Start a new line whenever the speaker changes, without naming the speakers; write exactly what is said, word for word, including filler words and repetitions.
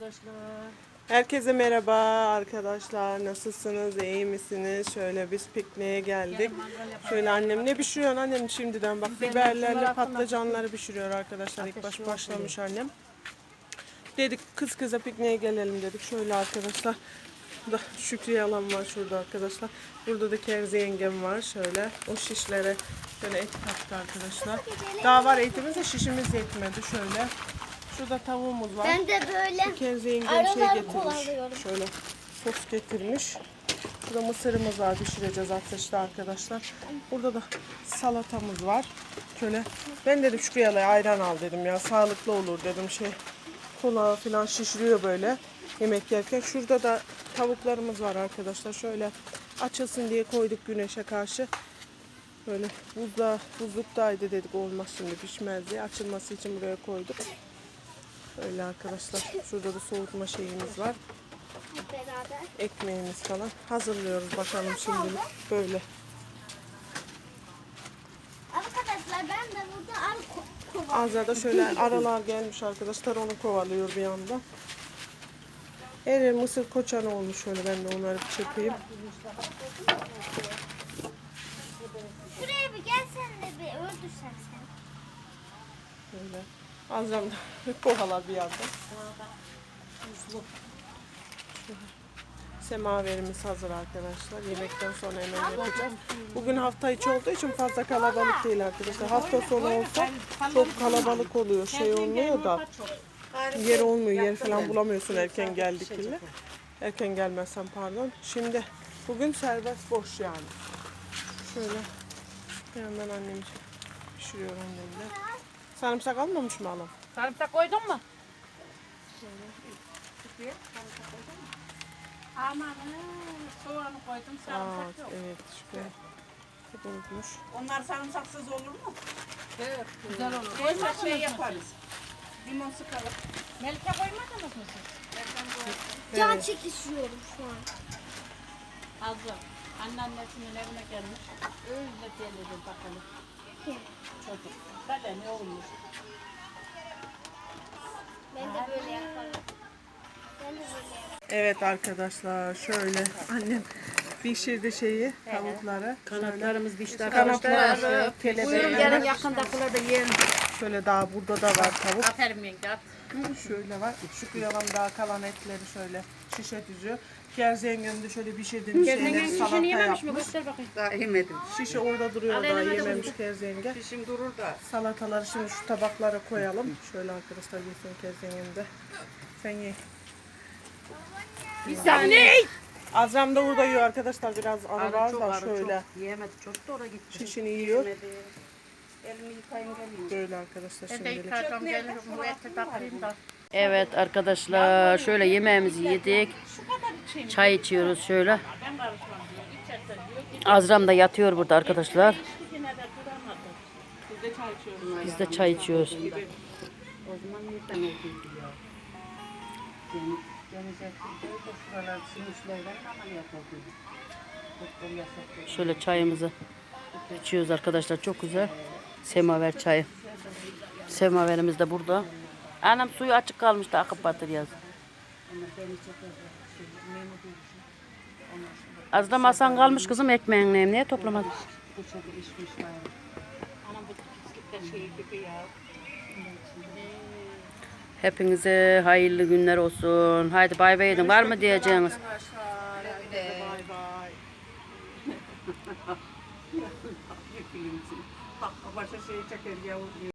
arkadaşlar.
Herkese merhaba arkadaşlar. Nasılsınız? İyi misiniz? Şöyle biz pikniğe geldik. Şöyle annem ne pişiriyor annem şimdiden bak biberlerle patlıcanları pişiriyor arkadaşlar. İlk baş başlamış annem. Dedik kız kıza pikniğe gelelim dedik. Şöyle arkadaşlar. Da Şükriye alan var şurada arkadaşlar. Burada da Kerzi yengem var. Şöyle o şişlere şöyle et kattı arkadaşlar. Daha var etimiz de şişimiz yetmedi. Şöyle. Şurada tavuğumuz var.
Ben de böyle
Kerzi yengem şey getirmiş. Şöyle sos getirmiş. Burada mısırımız var. Pişireceğiz ateşte arkadaşlar. Burada da salatamız var. Şöyle ben dedim Şükriye'ye ayran al dedim ya. Sağlıklı olur dedim şey. Kola falan şişiriyor böyle yemek yerken. Şurada da tavuklarımız var arkadaşlar. Şöyle açılsın diye koyduk güneşe karşı. Böyle buzda, buzluktaydı dedik olmaz şimdi pişmez diye. Açılması için buraya koyduk. Öyle arkadaşlar. Şurada da soğutma şeyimiz var.
beraber.
Ekmeğimiz falan. Hazırlıyoruz bakalım şimdilik. Böyle.
Arkadaşlar ben de burada arı ko- kova.
Azra'da şöyle aralar gelmiş arkadaşlar. Onu kovalıyor bir anda. Her yer mısır koçanı olmuş şöyle. Ben de onları bir çekeyim.
Şuraya bir gelsen de bir öldürsen sen.
Böyle. Azra'm da kovalar bir yanda. Semaverimiz hazır arkadaşlar. Yemekten sonra hemen yapacağız. Bugün hafta içi olduğu için fazla kalabalık değil arkadaşlar. Hafta sonu olsa çok kalabalık oluyor. Şey olmuyor da yer olmuyor. Yer falan bulamıyorsun erken geldikçe. Erken gelmezsen pardon. Şimdi bugün serbest boş yani. Şöyle bir yandan annem pişiriyor annemle. Sarımsak almamış mı alam?
Sarımsak koydun mu? Aman soğanı koydum,
Aa,
sarımsak yok.
evet şükür. Hep unutmuş.
Onlar sarımsaksız olur mu?
Evet, güzel olur.
Koyma şey yaparız. Limon sıkalım.
Melike koymadınız mı siz?
Can çekişiyorum şu an.
Azı. Anneannesinin evine gelmiş. Öyle gelelim bakalım. Çocuk. Böyle ne olmuş?
Ben de böyle yaparım. Ben de böyle yaparım.
Evet arkadaşlar şöyle annem pişirdi şeyi tavukları.
Kanatlarımız pişti
Kanatları,
Buyurun
kelebeği.
yarın yakındakiler de yiyelim.
Şöyle daha burada da var tavuk.
Aferin yenge at.
Şöyle var. Şükür yalan daha kalan etleri şöyle şişe düzüyor. Kerzi yengem de şöyle pişirdiğim şeyleri salata
yememiş mi?
yapmış.
Göster bakayım.
Daha yemedim.
Şişe orada duruyor daha yememiş Kerzi yenge.
Pişim durur da.
Salataları şimdi şu tabaklara koyalım. Şöyle arkadaşlar yesin Kerzi yengem de. Sen ye.
Bir saniye.
Azram da burada yiyor arkadaşlar biraz ara var da şöyle.
Yiyemedi. Çok da oraya gitti.
Şişini yiyor.
Elimi yıkayın geleyim.
Böyle arkadaşlar
Ben de
şimdilik.
yıkardım gelirim. Bu eti takayım da.
Evet arkadaşlar şöyle yemeğimizi yedik. Çay içiyoruz şöyle.
Ben karışmam diyor. İçerse diyor.
Azram da yatıyor burada arkadaşlar.
Yine de duramadı.
Biz de çay içiyoruz.
Biz de çay içiyoruz.
O zaman neden öldürdü ya? Yani gelecekti de şuralar sinüslerden ameliyat oldu. Doktor yasakladı.
Şöyle çayımızı içiyoruz arkadaşlar. Çok güzel. Semaver çayı. Semaverimiz de burada. Anam suyu açık kalmıştı akıp batır yaz. Az da masan kalmış kızım ekmeğin niye toplamadın?
Anam bu pislikler şey gibi ya.
Hepinize hayırlı günler olsun. Haydi bay bay edin. Var mı diyeceğiniz?
Bay bay.
Bak başka şeyi çeker yavrum.